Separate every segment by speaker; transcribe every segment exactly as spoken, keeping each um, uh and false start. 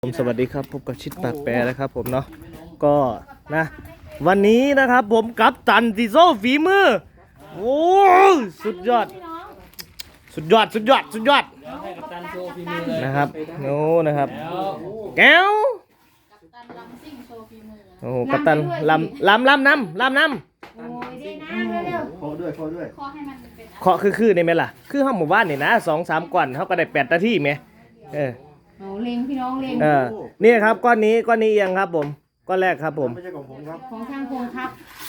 Speaker 1: ผมสวัสดีครับพบกับชิดปากแปรนะครับผมเนาะก็นะวันนี้นะครับผมกับตันดิโซฝีมือโอ้สุดยอดสุดยอดสุดยอดสุดยอดนะครับโอ้นะครับแก้วโอ้กัปตันลำลำลำน้ำลำน้ำ
Speaker 2: ขอด้วยขอด้วย
Speaker 1: เคาะคือคือในไหมล่ะคือห้องหมู่บ้านนี่นะสองสามก่อนเขาก็ได้แปดนาทีไหมเออ
Speaker 3: โอ้เล็งพี่น้องเล็ง
Speaker 1: เออนี่ครับก้อนนี้ก้อนนี้เอียงครับผมก้อนแรกครับผม
Speaker 2: ไม่ใช่ของผมครับ
Speaker 3: ของช่างพงครับ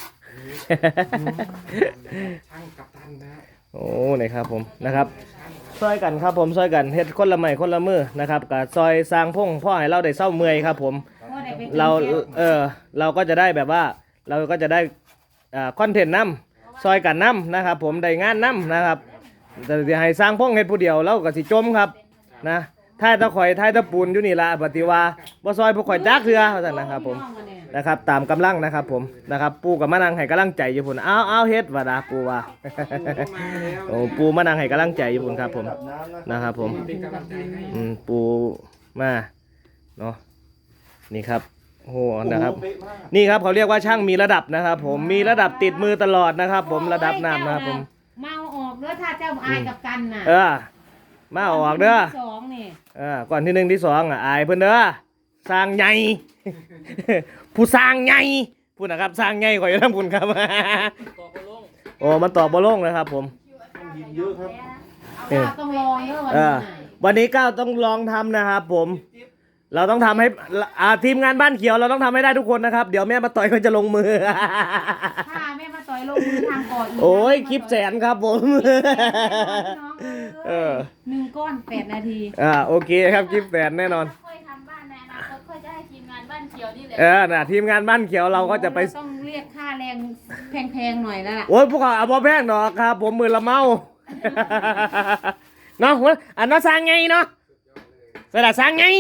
Speaker 2: ช่างกัปตันนะ
Speaker 1: โอ้นี่ครับผมนะครับซอยกันครับผมซอยกันเฮ็ดคนละไม้คนละมือนะครับกับซอยสร้างพงพ่อให้เราได้เศร้าเมื่อยครับผมเราเออเราก็จะได้แบบว่าเราก็จะได้อ่าคอนเทนต์น้ำซอยกันน้ำนะครับผมได้งานน้ำนะครับแต่ที่ให้สร้างพงให้ผู้เดียวเราก็สิจมครับนะท้ายตะข่อยท้ายตะปูนอยู่นี่ละปฏิว่าบ่ซอยผู้ข่อยจักเถื่อว่าซั่นนะครับผมนะครับตามกำลังนะครับผมนะครับปูกับมะนางให้กำลังใจอยู่พุ่นเอาเอาเฮ็ดว่าดาปูว่าโอ้ปูมะนางให้กำลังใจอยู่พุ่นครับผมนะครับผมอืมปูมาเนาะนี่ครับโอ้นะครับนี่ครับเขาเรียกว่าช่างมีระดับนะครับผมมีระดับติดมือตลอดนะครับผมระดับน้ำนะครับผม
Speaker 3: เมาออกเด้อถ้าเจ้าอายกับกันน่ะ
Speaker 1: เออมาออกเด้อ
Speaker 3: สองนี่
Speaker 1: เออก่อนที่หนึ่งที่สองอ่ะอายเพิ่นเด้อสร้างใหญ่ผู้สร้างใหญ่พูดนะครับสร้างใหญ่กว่าอยู่ทั้งพุ่นครับโอ้มันตอบบอลงนะครับผม
Speaker 2: ยิงเยอะครับ
Speaker 3: ต้องลองเด้อวัน
Speaker 1: นี้วันนี้ก้าวต้องลองทำนะครับผมเราต้องทำให้อ่าทีมงานบ้านเขียวเราต้องทำให้ได้ทุกคนนะครับเดี๋ยวแม่มาต่อยเขาจะลงมือ
Speaker 3: ถ้าแม่มาต่อยลงมือทางก่อนอีก
Speaker 1: โอ้ยคลิปแสนครับผม
Speaker 3: เออหนึ่งก้อนแปดนาที
Speaker 1: อ่าโอเคครับคลิปแสนแน่นอน
Speaker 4: ค่อยทำบ้านในอนาคตค่อยจะให้ทีมงานบ้านเขียวนี่แหละ
Speaker 1: เออน่ะทีมงานบ้านเขียวเราก็จะไป
Speaker 3: ต้องเรียกค่าแรงแพงๆหน่อยแล้วล่ะ
Speaker 1: โอ้ยพวกเขาเอาบ่แพงดอกครับผมมือละเมาเนาะอันนั้นสร้างไงเนาะสระสร้างไง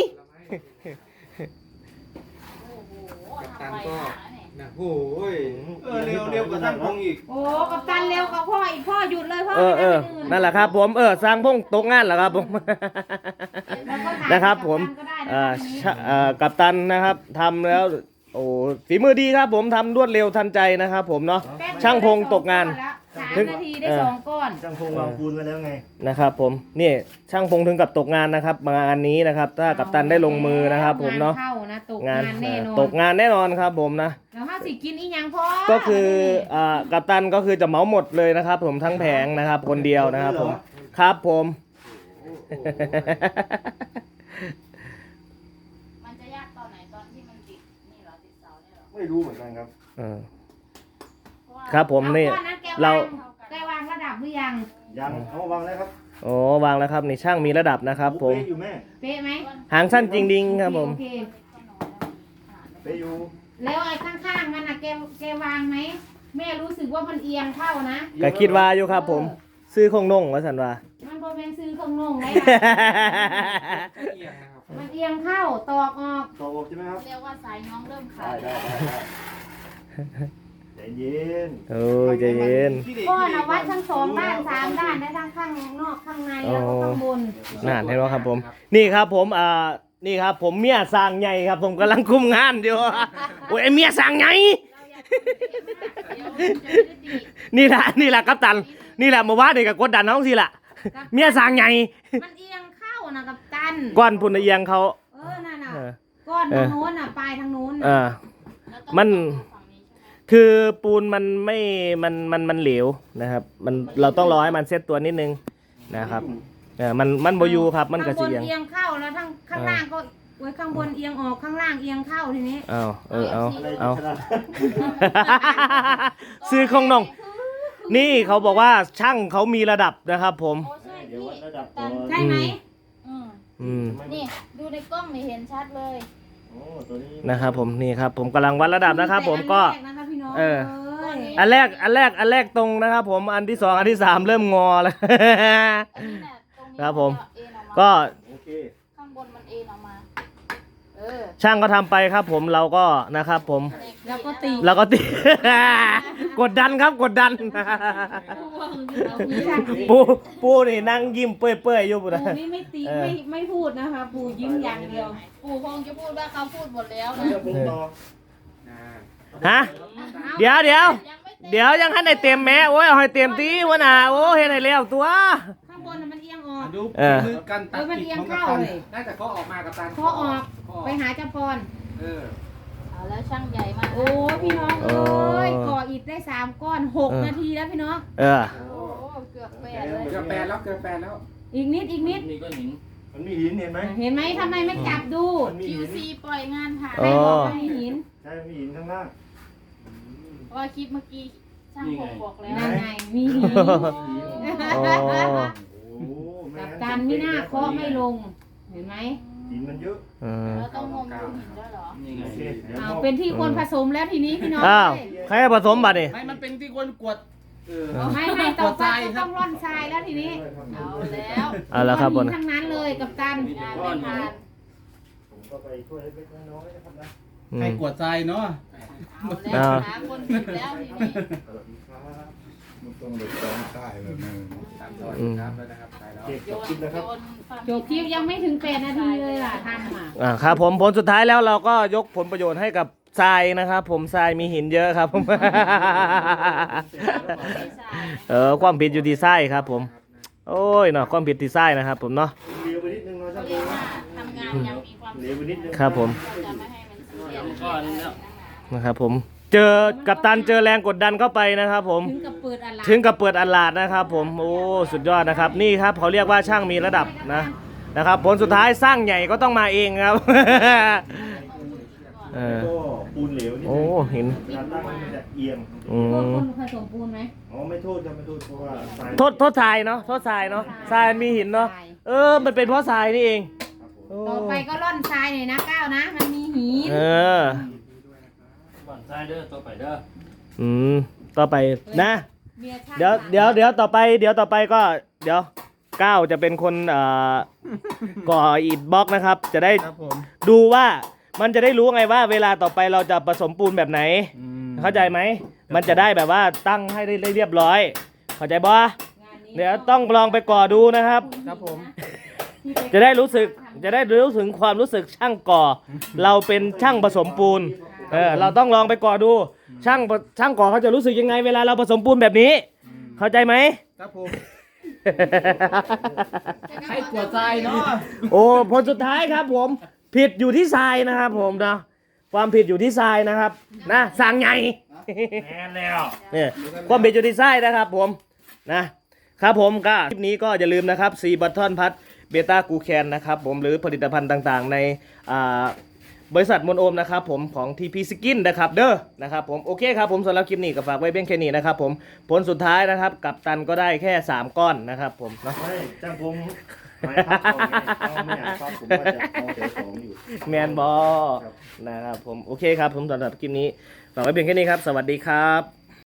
Speaker 2: กัปตันก็นะโอ้ยเออเร็วเร็วกว่าท่านพงอีก
Speaker 3: โอ้กัปตันเร็วกว่าพ่ออีกพ่อหยุดเลยพ่อ
Speaker 1: เออเออนั่นแหละครับผมเออสร้างพงตกงานเหรอครับผมนะครับผมเอ่อเอ่อกัปตันนะครับทำแล้วโอ้ฝีมือดีครับผมทำรวดเร็วทันใจนะครับผมเนาะช่างพงตกงาน
Speaker 3: สามนาทีได้สองก้อน
Speaker 2: ช่างพงวางปูนไว้แล้วไง
Speaker 1: นะครับผมนี่ช่างพงถึงกับตกงานนะครับงานนี้นะครับถ้ากัปตันได้ลงมือนะครับผมเนาะ
Speaker 3: งานแน่นอน
Speaker 1: ตกงานแน่นอนครับผมนะ
Speaker 3: แล้วถ้าสิกินอีหยังพอ
Speaker 1: ก็คืออ่ากัปตันก็คือจะเหมาหมดเลยนะครับผมทั้งแผงนะครับคนเดียวนะครับผมครับผม
Speaker 4: มันจะยากตอนไหนตอนที่มันติดนี่เหรอติดเสาเนี่ยเหรอ
Speaker 2: ไม่รู้เหมือนกันครับ
Speaker 1: เออครับผมนี่เรา
Speaker 3: ได้วางระดับหรือยัง
Speaker 2: ยังเขาวางแล้วครับ
Speaker 1: โอ้วางแล้วครับนี่ช่างมีระดับนะครับผม
Speaker 2: อยู่แม่
Speaker 3: เป๊ะไหม
Speaker 1: หางสั้นจริงดิงครับผม
Speaker 2: เป๊ะอยู่
Speaker 3: แล้วไอ้ข้างๆมันนะแกแกวางไหมแม่รู้สึกว่ามันเอียงเข้านะ
Speaker 1: ก็คิดว่าอยู่ครับผมซื้อคงนงว่าสันว่า
Speaker 3: มันโบเป็นซื้อคงนงไหมมันเอียงเข้าตอกออก
Speaker 2: ตอกออกใช่ไหมครับ
Speaker 4: เรียกว่าสายน้องเริ่มขาด
Speaker 2: ใจเย็น
Speaker 1: โอ้ใจเย็น
Speaker 3: ก้อนวัดทั้งสองด้านสามด้านได้ทั้งข้างนอกข้างในแล้วก็ข้างบน
Speaker 1: น่าเห็นไหมครับผมนี่ครับผมอ่านี่ครับผมเมียสร้างใหญ่ครับผมกำลังคุมงานอยู่โอ้ยเมียสร้างใหญ่นี่แหละนี่แหละกัปตันนี่แหละมาว่าเด็กกับกดดันน้องสิล่ะเมียสร้างใหญ่
Speaker 3: มันเอียงเข้านะกัปตัน
Speaker 1: ก้อนพุ่นเอียงเขา
Speaker 3: เออนั่นน่ะก้อนทางโน้นน่ะปลายทางโน้น
Speaker 1: อ่ามันคือปูนมันไม่มันมันมันเหลวนะครับมันเราต้องรอให้มันเซตตัวนิดนึงนะครับเออมันมันโบยูครับมันกระเจียง
Speaker 3: เอียงเข้าแล้วทั้งข้างล่างก็ไว้ข้างบนเอียงออกข้างล่างเอียงเข้าทีนี้
Speaker 1: เอาเออเอาเอาซื้อของน้องนี่เขาบอกว่าช่างเขามีระดับนะครับผม
Speaker 4: ใช่ไหม
Speaker 1: อืม
Speaker 4: นี่ดูในกล้องนี่เห็นชัดเลย
Speaker 1: นะครับผมนี่ครับผมกำลังวัดระดับนะครับผมก็เอออันแรกอันแรกอันแรกตรงนะครับผมอันที่สองอันที่สามเริ่มงอแล้วครับผมก็
Speaker 4: ข้างบนมันเอ็นออกมา
Speaker 1: ช่างก็ทำไปครับผมเราก็นะครับผม
Speaker 3: แล้วก็ตี
Speaker 1: แล้วก็ตี กดดันครับกดดัน ปูปูนี่นั่งยิ้มเปื่อยๆอยู่ปุ่น
Speaker 3: ปู
Speaker 1: นะ
Speaker 3: นี่ไม่ตี
Speaker 1: เออ
Speaker 3: ไม่ไม่พูดนะคะ ปูยิ้มอย่างเดียว
Speaker 4: ปู่คงจะพูดว่าเขาพูดหมดแล้วนะ
Speaker 2: เดี๋ยวผมต่อนะ
Speaker 1: ฮะเดี๋ยวเดี๋ยว
Speaker 4: ยังไม่เต็ม
Speaker 1: เดี๋ยวยังให้ได้เต็มแม้โอ้ยเอาให้เต็มตีวะน่ะโอ้เฮ็ดให้แล้วตัว
Speaker 3: ข้างบนน่ะมันเอียงออก
Speaker 2: ดู
Speaker 1: เออ
Speaker 2: มือกันตัด
Speaker 3: เออมัน
Speaker 2: ติด
Speaker 3: เอียง
Speaker 2: ของกัป
Speaker 3: เข้า
Speaker 2: ตัน
Speaker 3: เลย
Speaker 2: น่าจะเขาออกมากับตัน
Speaker 3: พอออก
Speaker 2: ข้อ
Speaker 3: ไปหาเจ้าพร
Speaker 2: เออ
Speaker 4: เอาแล้วช่างใหญ่มาก
Speaker 3: โอ้พี่น้องเอ้ยก่ออิฐได้สามก้อนหกนาทีแล้วพี่น้อง
Speaker 1: เออ
Speaker 4: โอ้เกือบแปดเลย
Speaker 2: เกือบแปดแล้วเกือบแปดแล้ว
Speaker 3: อีกนิดอีกนิด
Speaker 5: นี่ก็หิน
Speaker 2: มันมีหินเห็นไหม
Speaker 3: เห็นไหมทำไมไม่จับดู
Speaker 2: มันมี
Speaker 4: คิว
Speaker 2: หิน
Speaker 4: ซีปล่อยงานผ่าน
Speaker 1: อ๋
Speaker 3: ให้
Speaker 1: อ
Speaker 3: บอกว่ามีหิน
Speaker 2: ใช่มีหินข้างล่าง
Speaker 4: เพราะว่าคลิปเมื่อกี้ช่างผมบอกแล้ว
Speaker 3: นั่นไงมีหิน
Speaker 1: อ๋อ
Speaker 2: โอ้ไม่
Speaker 3: กับ
Speaker 2: งั้
Speaker 3: การไม่น่าเคาะไม่ลง เห็นไหม
Speaker 2: หินมันเยอะ
Speaker 1: เออ
Speaker 4: เราต้องงมดูหินด้วยเหรอ
Speaker 5: นี่ไง
Speaker 2: โอเคเดี๋ยว
Speaker 3: เอา
Speaker 2: มอบ
Speaker 3: เป็นที่คนผสมแล้วทีนี้พี่น้อง
Speaker 1: อ้าว
Speaker 3: เอ้ย
Speaker 1: ใครให้ผสมบัตรนี่
Speaker 5: ไม่มันเป็นที่คนกวด
Speaker 2: เออ
Speaker 3: ไม่ไม่ต่อไปก็ต้องร่อนทรายแล้วทีนี้
Speaker 4: เอาแล้ว
Speaker 1: เอาละครับ
Speaker 3: หิ
Speaker 1: บน
Speaker 3: นทั้งนั้นเลยกับตัน
Speaker 4: งานไม่ผ่าน
Speaker 2: ผมก็ไปช่วยเล็กๆน้อยๆนะครับนะ
Speaker 1: อื
Speaker 5: ให้
Speaker 1: ม
Speaker 5: กวดทรายเนาะ
Speaker 4: เอาแล้วหาคนผิดแล้วทีนี้
Speaker 2: สวัสดีครับ
Speaker 6: มันต้องไปซ้อมใต้แบบนั้น
Speaker 2: ตามสวัสดีครับแล้วนะครับไปแล้ว
Speaker 4: โย
Speaker 2: จบ
Speaker 4: น
Speaker 2: คลิปแล้วครับ
Speaker 4: โยนความ
Speaker 3: จบคลิปยังไม่ถึงแปดนาทีเลยล่ะทำอ่ะ
Speaker 1: อ่าครับผมผลสุดท้ายแล้วเราก็ยกผลประโยชน์ให้กับทรายนะครับ ผมทรายมีหินเยอะครับผม เออความผิดอยู่ที่ทรายครับผม โอ้ยเนาะความผิดที่ทรายนะครับ ผมเนาะ
Speaker 2: เลี้ยวไปนิดนึงเนาะ
Speaker 4: เขา
Speaker 2: ช่าง
Speaker 4: เรี
Speaker 2: ปู
Speaker 4: ยกว่าทำงานยังมีความ
Speaker 2: เลี้ยวไปนิดนึง
Speaker 1: ครับผม
Speaker 4: จะไม่ให้มันเสีย
Speaker 5: ก้อนแล้ว
Speaker 1: นะครับผมเจอกับตันเจอแรงกดดันเข้าไปนะครับผม
Speaker 3: ถึงกับเปิดอะไร
Speaker 1: ถึงกับเปิดอัลลาดนะครับผมโอ้สุดยอดนะครับนี่ครับเขาเรียกว่าช่างมีระดับนะนะครับผลสุดท้ายสร้างใหญ่ก็ต้องมาเองครับ เออ
Speaker 2: ก็ปูนเหลวนิด
Speaker 1: โอ้
Speaker 2: นึง
Speaker 1: เห็น
Speaker 2: เวลาตั้งมันจะเอียง
Speaker 1: อื
Speaker 3: พวก
Speaker 1: ม
Speaker 3: คนผสมปูนไหม
Speaker 2: อ๋อไม่โทษจะไม่โทษเพราะว่าทราย
Speaker 1: โทษโทษทรายเนาะโทษทรายเนาะทรายมีหินเนาะเออมันเป็นเพราะทรายนี่เองโอ้
Speaker 3: ต่อไปก็ร่อนทรายหน่อยนะก้าวนะ มันมีหิน
Speaker 1: เออ
Speaker 5: ก่อนทรายเด้อตัวไปเด้อ
Speaker 1: อืมต่อไปนะ
Speaker 3: บียร์ช่าง
Speaker 1: เดี๋ยวเดี๋ยวเดี๋ยวต่อไปเดี๋ยวต่อไปก็เดี๋ยวก้าวจะเป็นคนเอ่อก่ออิฐบล็อกนะครับ จะได้
Speaker 2: ครับผม
Speaker 1: ดูว่ามันจะได้รู้ไงว่า เวลาต่อไปเราจะผสมปูนแบบไหน เข้าใจไหมมันจะได้แบบว่าตั้งให้ได้เรียบร้อย เข้าใจบ่
Speaker 3: งานนี้
Speaker 1: เดี๋ยวต้องลองไปก่อดูนะครับ
Speaker 2: ครับผม
Speaker 1: จะได้รู้สึกจะได้รู้ถึงความรู้สึกช่างก่อ เราเป็นช่างผสมปูนเออเราต้องลองไปก่อดู ช่างช่างก่อเขาจะรู้สึกยังไงเวลาเราผสมปูนแบบนี้ เข้าใจไหม
Speaker 2: ครับผม
Speaker 5: ให้กวดทรายเนาะ
Speaker 1: โอ้ผลสุดท้ายครับผมผิดอยู่ที่ทรายนะครับผมนะความผิดอยู่ที่ทรายนะครับนะสั่งใหญ่
Speaker 5: แน่แล้ว
Speaker 1: เนี่ยความผิดอยู่ที่ทรายนะครับผมนะครับผมก็คลิปนี้ก็อย่าลืมนะครับซีบัตทอนพัทเบต้ากูแคนนะครับผมหรือผลิตภัณฑ์ต่างๆในอ่าบริษัทมนโอมนะครับผมของ ที พี Skin นะครับเด้อนะครับผมโอเคครับผมสำหรับคลิปนี้ก็ฝากไว้เพียงแค่นี้นะครับผมผลสุดท้ายนะครับกับตันก็ได้แค่สามก้อนนะครับผมเนาะ
Speaker 2: ไม่จ้างผมหมายพักเอาไงเอาไม่อยากพักผมว่าจะเอาแต่ของอยู่
Speaker 1: แมนบอ
Speaker 2: ครับ
Speaker 1: นะครับผมโอเคครับผมสำหรับคลิปนี้ฝากไว้เพียงแค่นี้ครับ สวัสดีครับ